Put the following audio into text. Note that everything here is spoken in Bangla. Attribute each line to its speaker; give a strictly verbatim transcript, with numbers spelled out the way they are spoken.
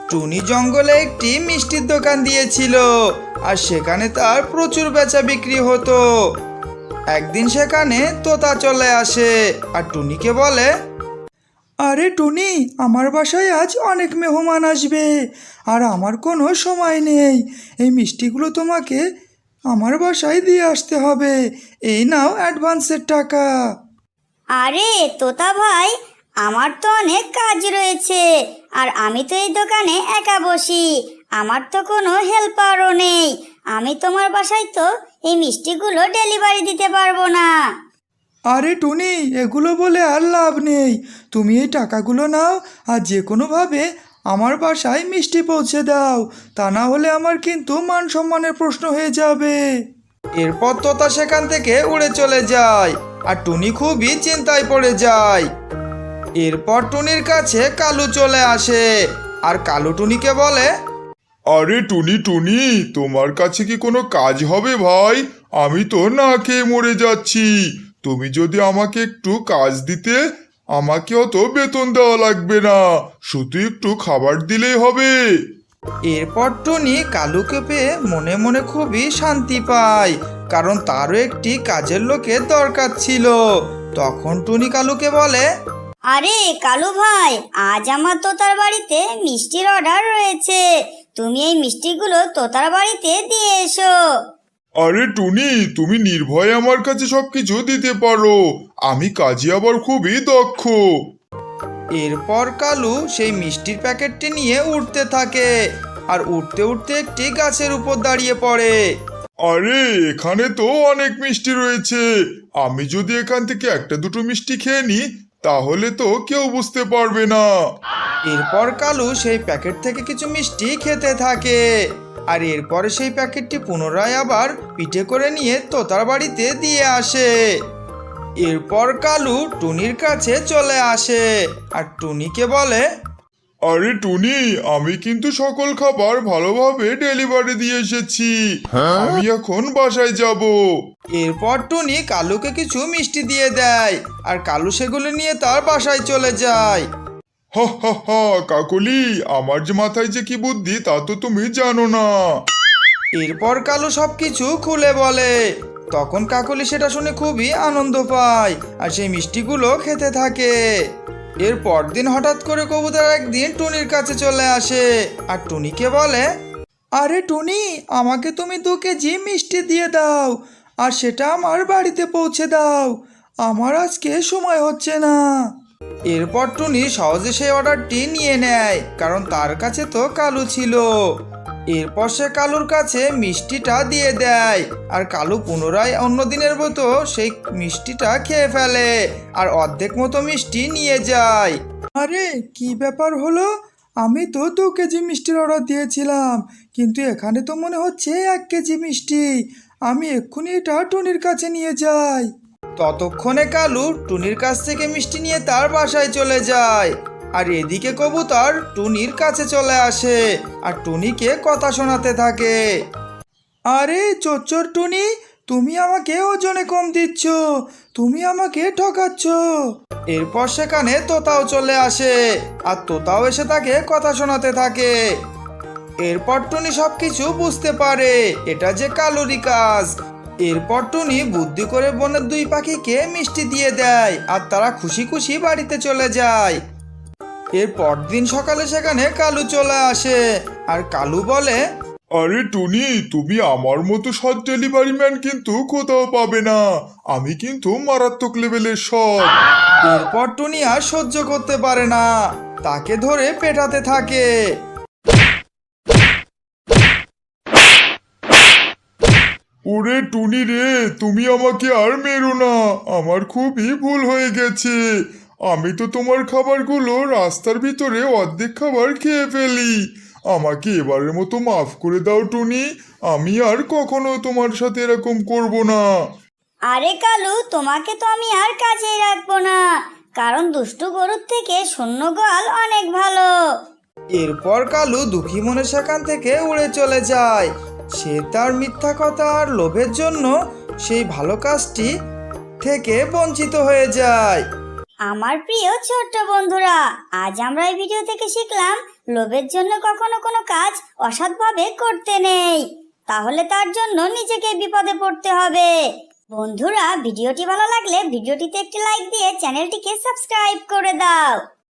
Speaker 1: টুনি জঙ্গলে একটি মিষ্টির দোকান দিয়েছিল আর সেখানে তার প্রচুর বেচা বিক্রি হতো। একদিন সেখানে তোতা চলে আসে আর টুনিকে বলে, আরে টুনি, আমার বাসায় আজ অনেক মেহমান আসবে আর আমার কোনো সময় নেই। এই মিষ্টিগুলো তোমাকে আমার বাসায় দিয়ে আসতে হবে। এই নাও অ্যাডভান্সের টাকা।
Speaker 2: আরে তোতা ভাই, আমার তো অনেক কাজ রয়েছে আর আমি তো এই দোকানে একা বসি। আমার তো কোনো হেল্পারও নেই। আমি তোমার বাসায় তো এই মিষ্টিগুলো ডেলিভারি দিতে পারবো না।
Speaker 1: আরে টুনি, এগুলো বলে আর লাভ নেই। তুমি এই টাকাগুলো নাও আর যে কোনোভাবে আমার বাসায় মিষ্টি পৌঁছে দাও, তা না হলে আমার কিন্তু মান সম্মানের প্রশ্ন হয়ে যাবে। এরপর তোতা সেখান থেকে উড়ে চলে যায় আর টুনি খুবই চিন্তায় পড়ে যায়। এরপর টুনির কাছে কালু চলে আসে আর কালু টুনিকে বলে,
Speaker 3: আরে টুনি টুনি, তোমার কাছে কি কোনো কাজ হবে ভাই? আমি তো না খেয়ে মরে যাচ্ছি। তুমি যদি আমাকে একটু কাজ দিতে, আমাকে অত বেতন দেওয়া লাগবে না, শুধু একটু খাবার দিলেই হবে।
Speaker 1: এরপর টুনি কালুকে পেয়ে মনে মনে খুবই শান্তি পায়, কারণ তারও একটি কাজের লোকের দরকার ছিল। তখন টুনি কালুকে বলে,
Speaker 2: আরে কালু ভাই, আজ আমার তোতার বাড়িতে মিষ্টির অর্ডার রয়েছে। তুমি এই মিষ্টিগুলো তোতার বাড়িতে দিয়ে এসো।
Speaker 3: আরে টুনি, তুমি নির্ভয়ে আমার কাছে সবকিছু দিতে পারো। আমি কাজে আবার খুবই দক্ষ।
Speaker 1: এরপর কালু সেই মিষ্টির প্যাকেটটি নিয়ে উঠতে থাকে আর উঠতে উঠতে একটি গাছের উপর দাঁড়িয়ে পড়ে।
Speaker 3: আরে এখানে তো অনেক মিষ্টি রয়েছে। আমি যদি এখান থেকে একটা দুটো মিষ্টি খেয়ে নিই, তাহলে তো কেউ বুঝতে পারবে না।
Speaker 1: এরপর কালু সেই প্যাকেট থেকে কিছু মিষ্টি খেতে থাকে আর এরপরে সেই প্যাকেটটি পুনরায় আবার পিঠে করে নিয়ে তোতার বাড়িতে দিয়ে আসে। এরপর কালু টুনির কাছে চলে আসে আর টুনিকে বলে,
Speaker 3: আরে টুনি, আমি কিন্তু সকল খাবার ভালোভাবে ডেলিভারি দিয়ে এসেছি। আমি এখন বাসায় যাব।
Speaker 1: এরপর টুনি কালুকে কিছু মিষ্টি দিয়ে দেয় আর কালু সেগুলো নিয়ে তার বাসায় চলে যায়।
Speaker 3: হা হা হা, কাকলি, আমার যে মাথায় যে কি বুদ্ধি তা তো তুমি জানো না।
Speaker 1: এরপর কালু সবকিছু খুলে বলে। তখন কাকলি সেটা শুনে খুবই আনন্দ পায় আর সেই মিষ্টিগুলো খেতে থাকে। এর পরদিন হঠাৎ করে কবুতর একদিন টুনির কাছে চলে আসে আর টুনিকে বলে, আরে টুনি, আমাকে তুমি দু কেজি মিষ্টি দিয়ে দাও আর সেটা আমার বাড়িতে পৌঁছে দাও। আমার আজকে সময় হচ্ছে না। এরপর টুনি সহজে সেই অর্ডারটি নিয়ে নেয়, কারণ তার কাছে তো কালু ছিল। এরপর সে কালুর কাছে মিষ্টিটা দিয়ে দেয় আর কালু পুনরায় অন্য দিনের মতো সেই মিষ্টিটা খেয়ে ফেলে আর অর্ধেক মতো মিষ্টি নিয়ে যায়। আরে কি ব্যাপার হলো? আমি তো দু কেজি মিষ্টির অর্ডার দিয়েছিলাম, কিন্তু এখানে তো মনে হচ্ছে এক কেজি মিষ্টি। আমি এক্ষুনি এটা টুনির কাছে নিয়ে যাই। ততক্ষণে কালু টুনির কাছ থেকে মিষ্টি নিয়ে তার বাসায় চলে যায় আর এদিকে কবুতর টুনির কাছে চলে আসে আর টুনিকে কথা শোনাতে থাকে। আরে চচ্চর টুনি, তুমি আমাকে ওজনে কম দিচ্ছ, তুমি আমাকে ঠকাচ্ছ। এরপর সেখানে তোতাও চলে আসে আর তোতাও এসে তাকে কথা শোনাতে থাকে। এরপর টুনি সবকিছু বুঝতে পারে এটা যে কালুরই কাজ। এরপর টুনি বুদ্ধি করে বনের দুই পাখিকে মিষ্টি দিয়ে দেয় আর তারা খুশি খুশি বাড়িতে চলে যায়। এর পরদিন সকালে সেখানে কালু চলে আসে আর কালু বলে,
Speaker 3: আরে টুনি, তুমি আমার মতো সৎ ডেলিভারি ম্যান কিন্তু কোথাও পাবে না। আমি কিন্তু মারাত্মক লেভেলের সৎ।
Speaker 1: এরপর টুনি আর সহ্য করতে পারে না, তাকে ধরে পেটাতে থাকে।
Speaker 3: ওরে টুনি রে, তুমি আমাকে আর মেরো না। আমার খুবই ভুল হয়ে গেছে। আমি তো তোমার খাবারগুলো রাস্তার ভিতরে অর্ধেক খাবার খেয়ে ফেলি। আমাকে এবারের মতো মাফ করে দাও টুনি। আমি আর কখনো তোমার সাথে এরকম করব না।
Speaker 2: আরে কালু, তোমাকে তো আমি আর কাছেই রাখবো না, কারণ দুষ্টু গরুর থেকে শূন্য গোয়াল অনেক ভালো।
Speaker 1: এরপর কালু দুঃখী মনে সেখান থেকে উড়ে চলে যায়। সে তার মিথ্যা কথা আর লোভের জন্য সেই ভালো কাজটি থেকে বঞ্চিত হয়ে যায়।
Speaker 2: আমার প্রিয় ছোট্ট বন্ধুরা, আজ আমরা এই ভিডিও থেকে শিখলাম লোভের জন্য কখনো কোনো কাজ অসৎভাবে করতে নেই, তাহলে তার জন্য নিজেকে বিপদে পড়তে হবে। বন্ধুরা, ভিডিওটি ভালো লাগলে ভিডিওটিতে একটি লাইক দিয়ে চ্যানেলটিকে সাবস্ক্রাইব করে দাও।